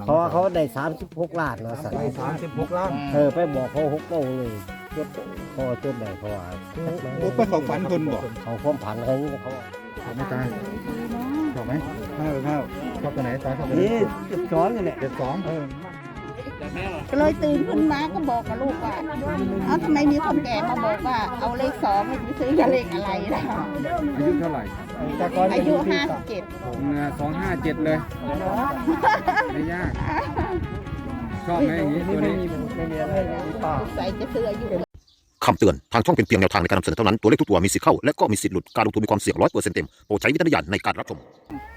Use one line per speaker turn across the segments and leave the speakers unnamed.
เขาว่าเขาได้36 ล้านเนาะสัตว์
36 ล้าน
ไปบอกเขา6โมงเลยจดพอจดได้เขาว่า
บุกไปเขาฝันคนบอก
เขาความผันอะไรนี่เขา
ไม่ตายชอบไหมข้าวชอบตัวไหนตายชอบตัวไหน
นี่12กันแหละ
72
ก็เลยตื่นขึ้นมาก็บอกกับลูกว่าทำไมมีคนแก่มาบอกว่าเอาเลข2ไม่ไปซื้อเลขอะไรล่ะ
อายุเท่าไหร่
อายุ57
257เลยไม่ยากชอบไหมอย่างนี้ตัวนี้
ไม่มีอะไรป้า
ใส่จะซื้ออายุ
คำเตือน ทางช่องเป็นเพียงแนวทางในการนำเสนอเท่านั้น ตัวเลขทุกตัวมีสิทธิ์เข้า และก็มีสิทธิ์หลุด การลงทุนมีความเสี่ยง100%เต็ม โปรดใช้วิจารณญาณในการรับชม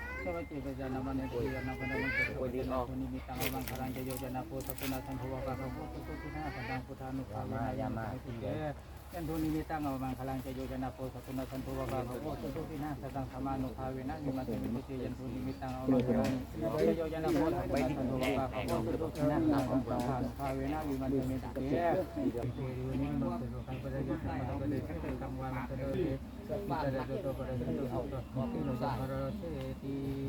ยันทุนิมิตังเอามังคลังจะโยจนะโพสตุนะสันตุวะบาภโพสุทุตินาสังธรรมานุภาเวนะวิมัติมิติยันทุนิมิตังเอามังคลังจะโยจนะโพสตุนะสันตุวะบาภโพสุทุตินาสังธรรมานุภาเวนะวิมัติมิติเยนิมุตตุคังปะเดยุคังปะเดชัตตังวามัตเดเตมิตะเดตุปะเดตุเอาตะมะปิโนสะหะเสติ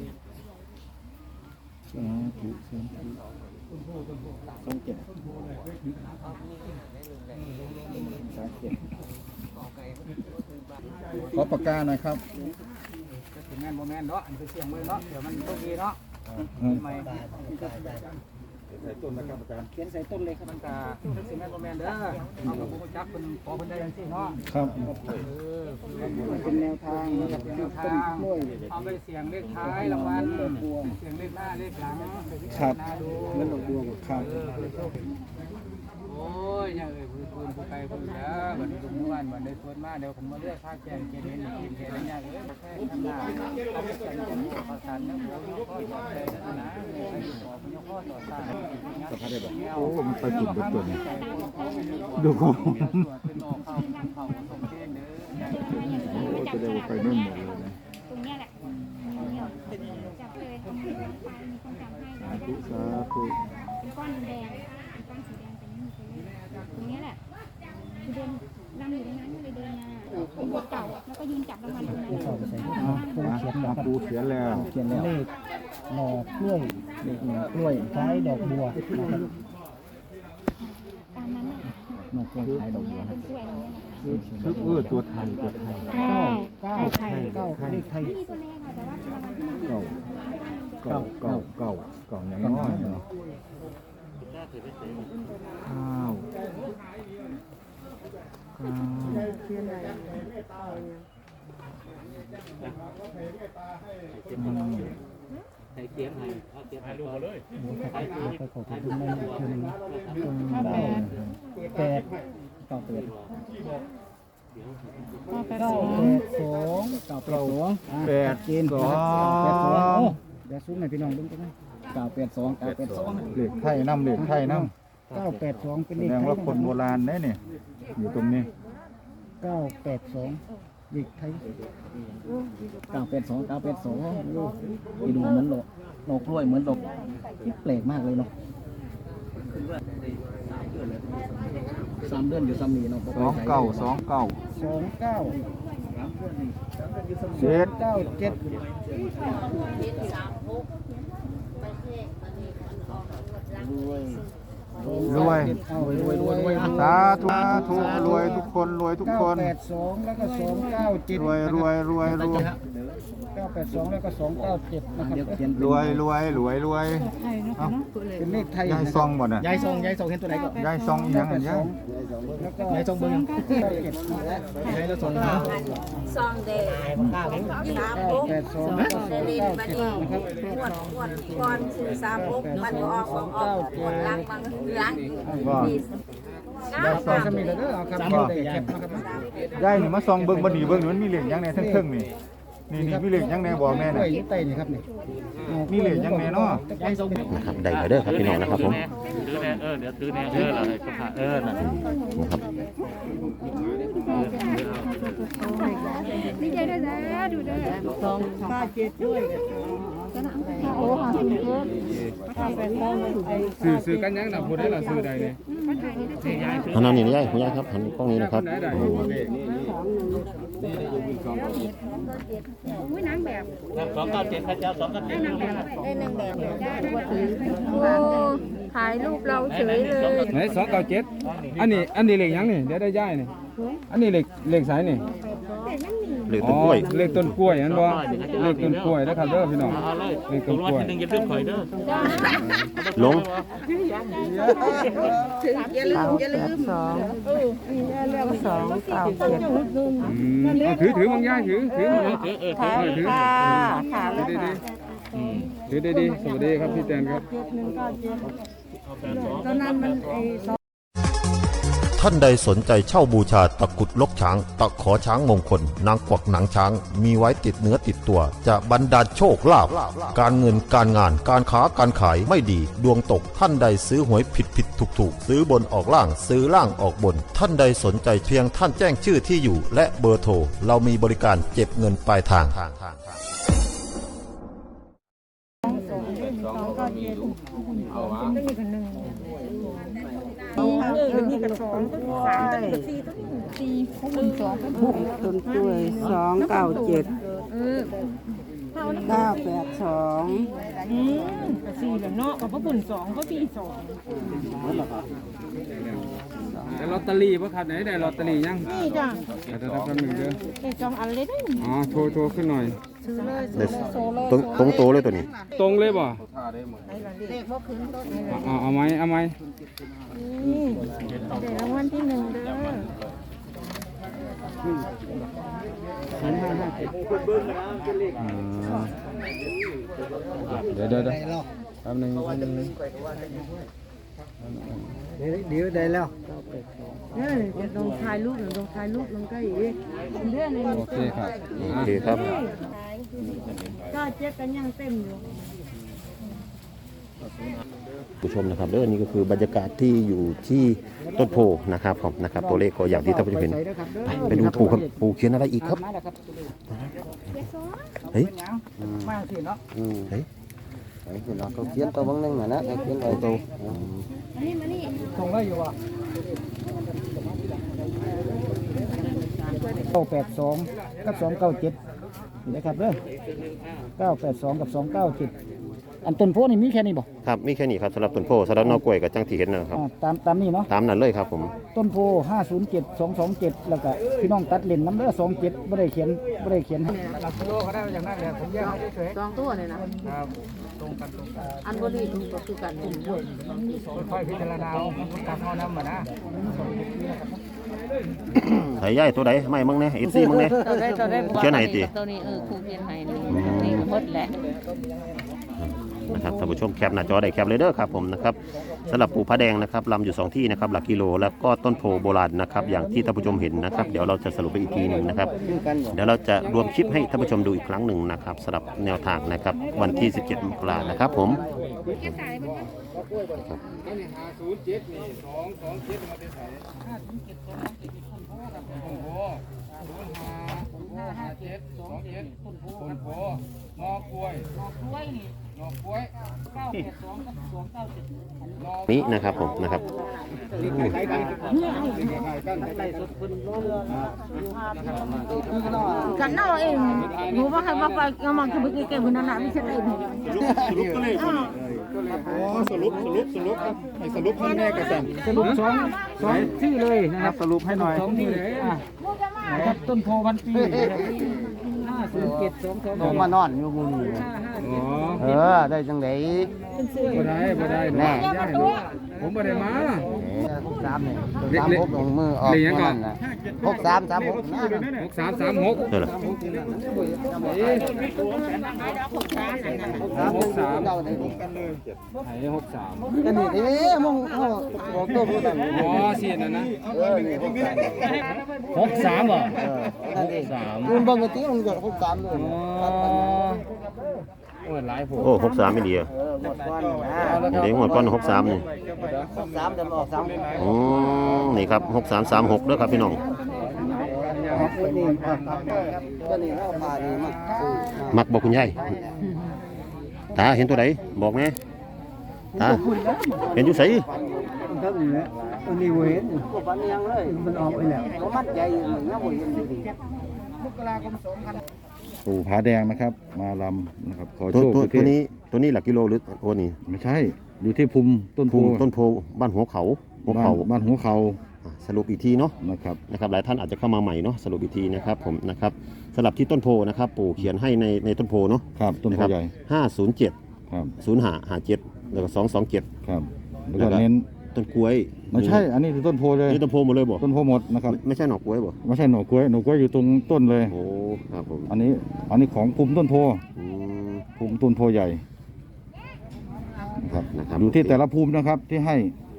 ขอปากกาหน่อยครับ
ถึงแม่นโมแม่นเนาะอันเป็นเสียงเลยเนาะเดี๋ยวมันโชคดีเนาะใหม่เขียนใส่ต้นเลยครับมันกาถึงแม่นโมแม่นเด้อเอากับผู้จักคนขอคนได้ยังสิเนาะ
ครับ
เป็นแนวทางนะครับแนวทางเอาไปเสียงเลขท้ายรางวัลเสียงเลขหน้าเลขหลังไปพิจารณาดู
เงินดอกบัวครับ
โอ้ยยังเอ่ยผู้ไกลผู้เด้อบัดนี้ทุกวันบัดนี้สวนมาเดี๋ยวผมมาเลือกภาคแกนเกณฑ์นี้กินแค่นั้นยังเอ้ยแค่ทำหน้าเอาไปใส่กันภาษาเนี่ยผมข้อต่อใจนะใครต่อผมข้อต่อตา
สภาพได้บอกโอ้มันไปจุดตัวนี้ดูเขา
เป็นออกเข้าส่งเกณฑ์เด้อ
จะได้ไปนู่นหมดเลยนะ
ตรงเนี้ยแหละจับเลยเอามือลงไปมีคนจับให้เราได้
สาธุ
เป็นก้อนแดงเป็นก้อนสีแดงแต่ไม่มีตัวเลขตรงเนี้ยแหละคือเดินรำอยู่ในนั้นก็เลยเดินมาเป็นบทเก่าแล้วก็ยืนจับรางวัลตรงนั้น
ปูเขียนแล้ว
เขียนเลขหน่อกล้วยเลขหน่อกล้วยคล้ายดอกบัวนะครับ
ตามนั้นน่ะ
หน่อกล้วยคล้ายดอกบัว
เป็นกล้วยอะไรเงี้ยนะคะ
คือตัวไทยตัวไทย
เก้าไทยเลขไทย
ไม่มีตัวเลขค่ะแต่ว่าเป็นรางวัลที่มัน
เก่าอย่างน้อยเนาะข้าว
ใส่เขียนให้เอาเขียนให้ดูเลย
ก็ขอบคุณแม่คืน8
8
จีน
2
เดี๋ยวซุ้มให้พี่น้องดูกันนะ982
เหล็กไทยน้ำเหล็กไทยน้ำ
982เป็น
แส
เลข
ดง
ไทย
ว่าคนโบราณเนี่ยอยู่ตรงนี้
982เลขไทย
982นี่ดูเหมือนดอกกล้วยเหมือนดอกที่แปลกมากเลยเนาะ3 เดือนอยู่ซ้ำนี่เนาะ
เจ็ด รวยสาธุรวยทุกคนรวยทุกคน
982แล้วก็297
รวย
982แล้วก็297นะครับ
รวย
เป็นเลขไทย
ยายซองบ่น่ะ
ยายซองเห็นตัวไหนก่อน
ยายซองอีหยังอันยาย
แล้วก็
ยายซองเบิ่งยายแล้วซอง
ซองเดย์
982
3
แล้วก็
ลินมาดี
297นะครับ
งวดก่อนซื้อ36มันก็ออกงวดหลังบางหลัง
ว่า
ยายซองจะมีแล้วเด้อเอาครับได้แคปนะครับ
ยายนี่มาซองเบิ่งบ่ดีเบิ่งนี่มันมีเหล็กหยังแน่ทั้งเทิงนี่นี่มีเหล็กหยังแน่บอกแม่
กล้
น่ะ
วยนี่ไตนี่ครับนี่
มีเหล็กหยังแน่เนาะ
นะครับได้แล้วเด้อครับพี่น้องนะครับผม
ถือแน่เดี๋ยวถือแน่อะไรก็ผ่าน่ะ
นะครับ
ดีใจด้วยนะดูด้วยโอ้ค่ะคุณเพื่อน
สื่อกันยังนะพูดได้ละสื่อใดเนี่ย
หันหน้านี่นะยายคุณยายครับหันกล้องนี้นะครับโอ้โห
อุ้ยนางแบบ
297พระเจ้า297
ได้นางแบบได้นางแบบได้ว่าถือ
โอ้ถ่ายรูปเราเฉยเลย
ไหน297อันนี้เลขหยังนี่เดี๋ยวได้ย้ายนี่อันนี้เลขสายนี่
เลขต้นกล้วย
เลขต้นกล้วยอันบ่เลขต้นกล้วยนะครับเด้อพี่น้องเลขต้นกล้วย
อย่าลืมข่อยเด้อ
ลง
อย่าลืม
เอาถือบางย่ายถือถือดีๆสวัสดีครับพี่แตนครับ
ท่านใดสนใจเช่าบูชาตะกรุดลกช้าง ตะขอช้างมงคล นางกวักหนังช้าง มีไว้ติดเนื้อติดตัว จะบรรดาลโชคลาภการเงินการงานการค้าการขายไม่ดี ดวงตกท่านใดซื้อหวยผิดถูกซื้อบนออกล่างซื้อล่างออกบน ท่านใดสนใจเพียงท่านแจ้งชื่อที่อยู่ และเบอร์โทรเรามีบริการเก็บเงินปลายทาง
นี่กระสอง3 4 ต้นกล้วย297 982
4แล้วเนาะกับพระบุญ2ก็4
ได้ลอตเตอรี่ป่ะครับไหนได้ลอตเตอรี่ยัง
2นี่จ้ะ
เดี๋ยวแป๊บนึงเด้อ
ได้2อันเลยได้
อ๋อโทรขึ้นหน่อย
ตรงโตเลยตัวนี้
ตรงเลยบ่เอาไหม
นี่ได้รางวัลที่1เด้อ
เดี๋ยวแป๊บนึง
เดี๋ยวได้แล้ว
เนี่ยลงถ่ายรูปลงถ่ายรูปลงใกล้อีกเดือนนึง
โอเคครับ
โอเคครับ
ก็เจ๊กันยังเต็มอยู่
ผู้ชมนะครับเรื่องนี้ก็คือบรรยากาศที่อยู่ที่ต้นโพนะครับผมนะครับตัวเลขก็อย่างที่ท่านผู้ชมเห็นไปดูปู่ครับปู่เขียนอะไรอีกครับเฮ้ย
มาสิเนาะ
เฮ้ย
nó có kiến tao vẫn đang mà nó cái kiến này tao
ส่งได้อยู่ว่ะ982กับ297นี่นะครับเด้อ982กับ297อันต้นโพนี่มีแค่นี้บ่
ครับมีแค่นี้ครับสำหรับต้นโพสำหรับนอกกล้วยกับจังที่เห็นนะครับ
ตามนี้เนาะ
ตามนั้นเลยครับผม
ต้นโพ507 227แล้วก็พี่น้องตัดเล่นน้ำเด้อ27บ่ได้เขียนหลักกิโลก็ได้อย่างนั้นแหละผมแยกให้เฉย
2ตัวเลยนะครับ
ตรงกัน
อันบริสุทธิ์ก็คือกัน
ค่อยพิจารณาเอาตามเฮานำมานะ
ใส่ย่ายตัวใดไม่มึงเนี่ยอีซี่มึงเนี่ย
ตัวได้
เขียนไหนติ
ตัวนี้ครูเขียนให้นี่หมดแหละ
นะครับท่านผู้ชมแคปหน้าจอได้แคปเลยเด้อครับผมนะครับสำหรับปูพระแดงนะครับลำอยู่2ที่นะครับหลักกิโลแล้วก็ต้นโพโบราณนะครับอย่างที่ท่านผู้ชมเห็นนะครับเดี๋ยวเราจะสรุปไปอีกทีหนึ่งนะครับเดี๋ยวเราจะรวมคลิปให้ท่านผู้ชมดูอีกครั้งหนึ่งนะครับสำหรับแนวทางนะครับวันที่17 มกราคมนะครับผม
คนโพนอกล้วย
นี้นะครับผมนะครับ
กันเนาะเองหนูว่าใครมาไปก็มาคือเก่งๆคนนั้นน่ะไม่ใช่เอง
สรุปให้แน่กระสัน
สรุป2ชื่อเลยนะครับ
สรุปให้หน่อย
2ที่นะครับต้นโพพันปี507 227
มานอนอยู่มุมนี้ได้จังได๋
บ่ได้แน่ผมบ่ได้มา
63นี่36ลงมือออก63 36
เท่าไหร่
อันนี้มึงบอกตัวผู้นั้น
อ๋อเสียนั่นนะ
63บ่
นั่นเองมึงเบิ่งกะติมึงจะ63เลย
โอ้ยหลายผม
โอ้63ไม่ดีอ่ะเดี๋ยวหมดก้อน63นี่
63จะออก3
นี่ครับ6336เด้อครับพี่น้อง
ตัวนี้เฮาพานี่มา
มักบอกคุณยายตาเห็นตัวไหนบอกแม่ตาเห็นอยู่ไส
นี่เว้ยมันยังเลยมันออกไปแล้วมัดใหญ่อย่างนี้บ่เห็นดีมกราคม2000
ปู่ผาแดงนะครับ มาลำนะครับขอ
ตัว
โชค
ตัวนี้หลักกิโลหรือตัวนี้
ไม่ใช่อยู่ที่ภูมิต้นโพ
ต้นโพบ้านหัวเขา
บ้านหัวเขา
สรุปอีกทีเนาะ
นะครับ
นะครับหลายท่านอาจจะเข้ามาใหม่เนาะสรุปอีกทีนะครับผมนะครับสลับที่ต้นโพนะครับปู่เขียนให้ในต้นโพเนาะ
ครับต้นโพใหญ่
507
ครับ
0557แล้วก็227
ครับแล้วก็เน้น
ต้นกล้วย
ไม่ใช่อันนี้คือต้นโพเลย
นี่ต้นโพหมดเลยบ่
ต้นโพหมดนะครับ
ไม่ใช่หน่อกล้วยบ่
ไม่ใช่หน่อกล้วยหน่อกล้วยอยู่ตรงต้นเลย
โอ้ครับผม
อันนี้ของภูมิต้นโพ
อืม
ภูมิต้นโพใหญ่นะครับ
นะครับ
อยู่ที่แต่ละภูมินะครับที่ให้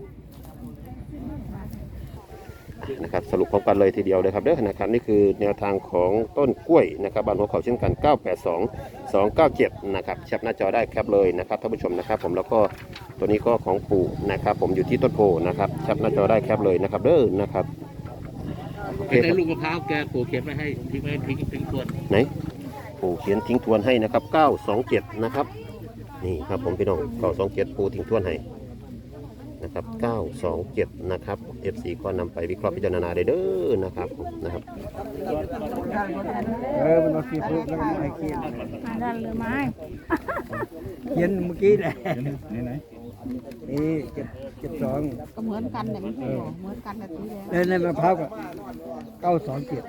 นะครับสรุปพร้อมกันเลยทีเดียวเลยครับเด้อนะครับนี่คือแนวทางของต้นกล้วยนะครับบ้านหัวเขาเช่นกัน 982 297 นะครับแคปหน้าจอได้แคปเลยนะครับท่านผู้ชมนะครับผมแล้วก็ตัวนี้ก็ของปู่นะครับผมอยู่ที่ต้นโพนะครับแคปหน้าจอได้แคปเลยนะครับเด้อนะครับโอเค
ได้
ครับ
ลูกมะพร้าวแกปลูกเขียนไว้ให้ทิ้งไว้ทิ้งทวน
ไหนปู่เขียนทิ้งทวนให้นะครับ927นะครับนี่ครับผมพี่น้อง927ปู่ทิ้งทวนให้นะครับ927นะครับ FC ก็นำไปวิเคราะห์พิจารณาได้เด้อนะครับนะครับ
มันเอาขี้พูดแล้วไอ้ขี้
ดันหรือไม่
เขียนเมื่อกี้แหละ
ไหน
นี่72
ก็เหมือนกันเนี่ยไม่ใช่หรอเหมือนกันแต่ทีเดียว
ในมะพร้าวก็927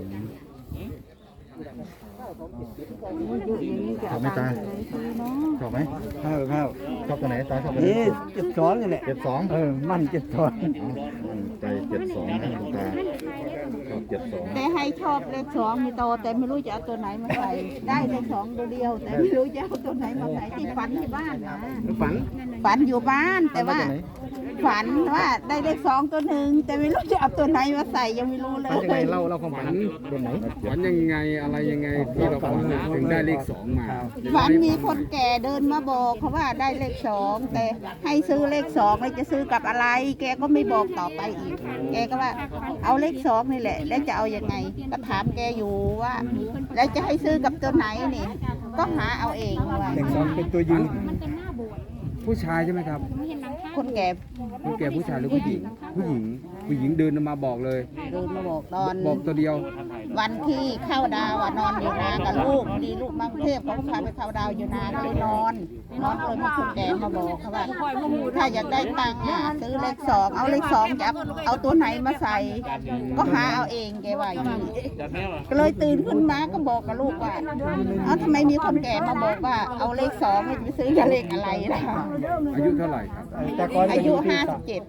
ชอบไหมตาชอบไหม
ข้าว
ชอบตัวไหนตาชอบตัวไหน
นี่72นี่แหละ
72
มั่น72
ใจ72นะคุณตาชอบ72
แต่ให้ชอบเลขสองมีโตแต่ไม่รู้จะเอาตัวไหนมาใส่ได้เลขสองตัวเดียว แต่ไม่รู้จะเอาตัวไหนมาใส่ที่ฝันที่บ้านนะ ฝันอยู่บ้านแต่ว่าฝันว่าได้เลขสองตัวหนึ่งแต่ไม่รู้จะเอาตัวไหนมาใส่ยังไม่รู้เลย
ยังไงเล่าความฝันเป็นไหน
ฝันยังไงอะไรยังไงที่เราฝันถึงได้เลข2มา
ฝันมีคนแก่เดินมาบอกเขาว่าได้เลขสองแต่ให้ซื้อเลขสองแล้วจะซื้อกับอะไร แกก็ไม่บอกต่อไปอีก แกก็ว่าเอาเลขสองนี่แหละ แล้วจะเอายังไงก็ถามแกอยู่ว่า แล้วจะให้ซื้อกับตัวไหนนี่ ก็หาเอาเองว่า
เลข2เป็นตัวยืน
มันเป็นหน้าโบสถ์
ผู้ชายใช่ไหมครับ
ไม่เห็นหลังคา
คนแก่
ผู้แก่ผู้ชายหรือผู้หญิง ผู้หญิงเดินมาบอกเลย
เดินมาบอกตอน
บอกตัวเดียว
วันที่เข้าดาวอะนอนอยู่นากับลูกดีลูกมากรุงเทพเขาก็พาไปเข้าดาวอยู่นาก็เลยนอนเลยมาคุณแกมาบอกเขาว่าถ้าอยากได้ตังค์อะซื้อเลขสองเอาเลขสองจะเอาตัวไหนมาใส่ ก็หาเอาเองแกว่าอย่างนี้ก็เลยตื่นขึ้นมาก็บอกกับลูกว่าเอาทำไมมีคนแก่มาบอกว่าเอาเลขสองจะไปซื้อกับเลขอะไรล่ะ
อายุเท่าไหร่ครับ
แต่ก่อน
อายุ 57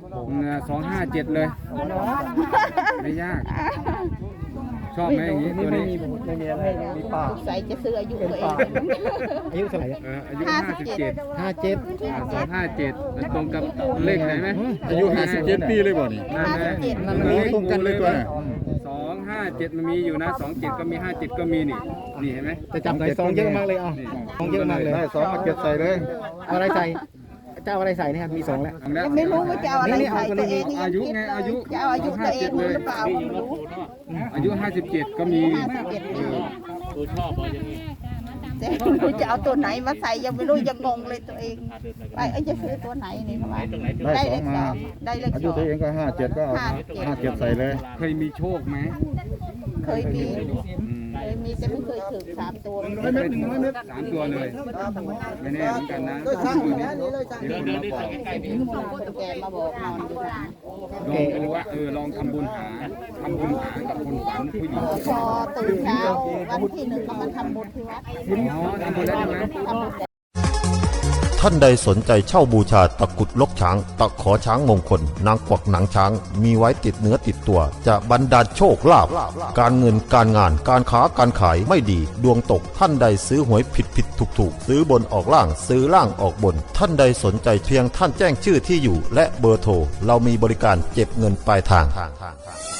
257 เลย ไม่ยาก ชอบไหมอย่างนี้ตัวนี้
ไม่มีอะไรมีป่า
ใส่จะซื้ออายุตัวเอง
อายุเท่าไหร่
อายุ 57
57
257ตรงกับเลขไหนไหม
อายุ57 ปีเลยบ่นี่
นั่นแหละ
57
มันมีตรงกันเลยตัวน่ะ
257มันมีอยู่นะ27ก็มี57ก็มีนี่นี่เห็นไหม
จะจำได้2เยอะมากเลย2เยอะมากเลย
ได้2มาเก็บใส่เลย
เอาอะไรใส่เจ้าอะไรใส่นี่ครับมี2แล้ว
เอาแล้ว
ไม่รู้ว่าจะเอาอะไรใส่ตัวเอง
อายุไงอายุ
จะเอาอายุตัวเองหรือเปล่าไม่รู้
อายุ 57 ก็มี
57ปีแต่ไม่รู้จะเอาตัวไหนมาใส่ยังไม่รู้ยังงงเลยตัวเองไปจะซื้อตัวไหนนี่เขาว่าได้เลขสองได้เลข
อา
ส
ยุ
อง
ตัวเองก็57ก็เอา57ใส่เลย
เคยมีโชคไหม
เคยมีแต่ไม่เคยถึง3 ตัว
ไม่เคยถึง3 ตัวเลยไม่แน่เหมือนกันนะเดี๋ยวคนมาบอก
คนแก่มาบอกนอนอยู่นะ
ลองดูว่าลองทำบุญหากับคนฝันผู้หญิง
พอตื่นเช้าวันที่1ก็มาทำบุญที่วัด
อ๋อทำบุญแล้วใช่ไหม
ทำบุญ
ท่านใดสนใจเช่าบูชาตะกรุดลกช้าง ตะขอช้างมงคล นางกวักหนังช้าง มีไว้ติดเนื้อติดตัว จะบรรดาลโชคลาภการเงินการงานการค้าการขายไม่ดี ดวงตกท่านใดซื้อหวยผิดถูกซื้อบนออกล่างซื้อล่างออกบน ท่านใดสนใจเพียงท่านแจ้งชื่อที่อยู่ และเบอร์โทรเรามีบริการเก็บเงินปลายทาง